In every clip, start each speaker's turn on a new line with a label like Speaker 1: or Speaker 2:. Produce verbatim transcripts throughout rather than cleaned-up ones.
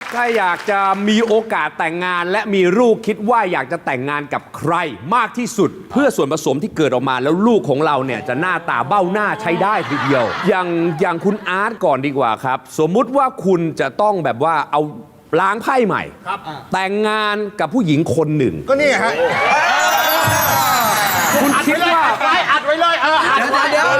Speaker 1: ถ้าอยากจะมีโอกาสแต่งงานและมีลูกคิดว่าอยากจะแต่งงานกับใครมากที่สุด เพื่อส่วนผสมที่เกิดออกมาแล้วลูกของเราเนี่ยจะหน้าตาเบ้าหน้าใช้ได้ทีเดียว อย่างอย่างคุณอาร์ตก่อนดีกว่าครับ สมมุติว่าคุณจะต้องแบบว่าเอาล้างไพ่ใหม่แต่งงานกับผู้หญิงคนหนึ่ง
Speaker 2: ก็นี่ฮะ
Speaker 1: คุณคิดว่า
Speaker 2: อัดไว้เลยเอออัดไว้เดี๋ยว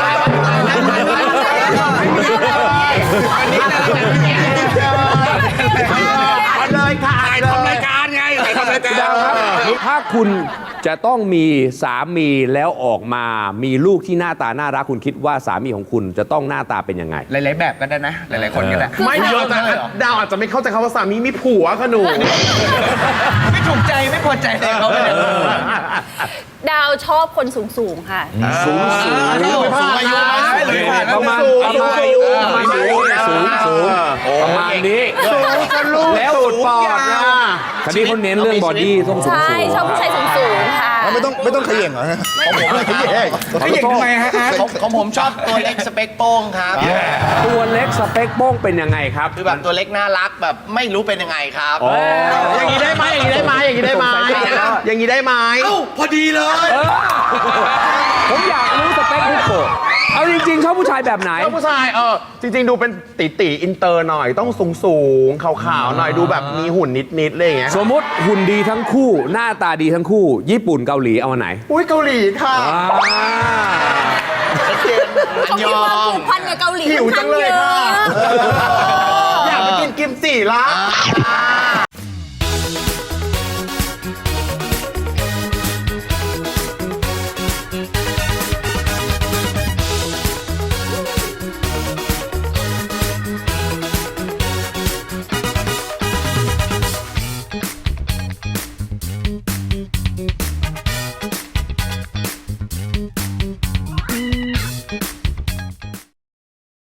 Speaker 2: อัดเลยค่ะอัดเลย
Speaker 3: ทำรายการไงทำรายการ
Speaker 1: ครับถ้าคุณจะต้องมีสามีแล้วออกมามีลูกที่หน้าตาน่ารักคุณคิดว่าสามีของคุณจะต้องหน้าตาเป็นยังไง
Speaker 4: หลาย ๆ แบบก็ได้นะ หลาย ๆ คนก็ได้
Speaker 2: ไม่เยอะแต่ดาวอาจจะไม่เข้าใจคำว่าสามีมีผัวค่ะหนู
Speaker 4: ไม่ถูกใจไม่พอใจเลยเขาไม่ได้
Speaker 5: ดาวชอบคนสูงสูงๆค่ะ
Speaker 1: สูงสูง
Speaker 2: สูงอายุไหม
Speaker 1: ประมาณประมาณประมาณนี้สูงสูงประมาณนี้
Speaker 2: แล้วสูดปอดนะ
Speaker 1: คดีเขาเน้นเรื่องบอดี้ต้องสูง
Speaker 5: ใช่
Speaker 1: สูง
Speaker 5: ชอบผู้ชายสูงสูงๆค่ะ
Speaker 2: ไม่ต้องไม่ต้องขย่งเหรอฮะของผมไม่ขย่ง
Speaker 4: เขาหญิงทำไมฮะของของผมชอบตัวเล็กสเปคโป้งครับ
Speaker 1: ตัวเล็กสเปคโป้งเป็นยังไงครับ
Speaker 4: คือแบบตัวเล็กน่ารักแบบไม่รู้เป็นยังไงครับ
Speaker 1: อ๋อ
Speaker 2: อย่างนี้ได้ไหมอย่างนี้ได้ไหมอย่างนี้ได้ไหมอย่างนี้ได้ไหม
Speaker 4: เอ้าพอดีเลย
Speaker 1: ผมอยากรู้สเปคพี่โกเอาจริงๆชอบผู้ชายแบบไหน
Speaker 2: แล้วผู้ชายเออจริง ๆ ดูเป็นตีตีอินเตอร์หน่อยต้องสูงสูงขาวๆหน่อยดูแบบมีหุ่นนิดๆอะไรอย่างเงี้ย
Speaker 1: สมมติหุ่นดีทั้งคู่ หน้าตาดีทั้งคู่ ญี่ปุ่นเกาหลีเอาอันไหน
Speaker 2: อุ้ยเกาหลีค่ะ
Speaker 1: อ่า
Speaker 4: ชัดเจน
Speaker 5: เขามีความผูกพันกับเกาหลี
Speaker 2: หิว
Speaker 5: ค่อน
Speaker 2: จั
Speaker 5: ข้าง
Speaker 2: งเลย
Speaker 5: เย
Speaker 2: ค่ะ
Speaker 5: อะ
Speaker 2: อยากไปกินกิมจิละ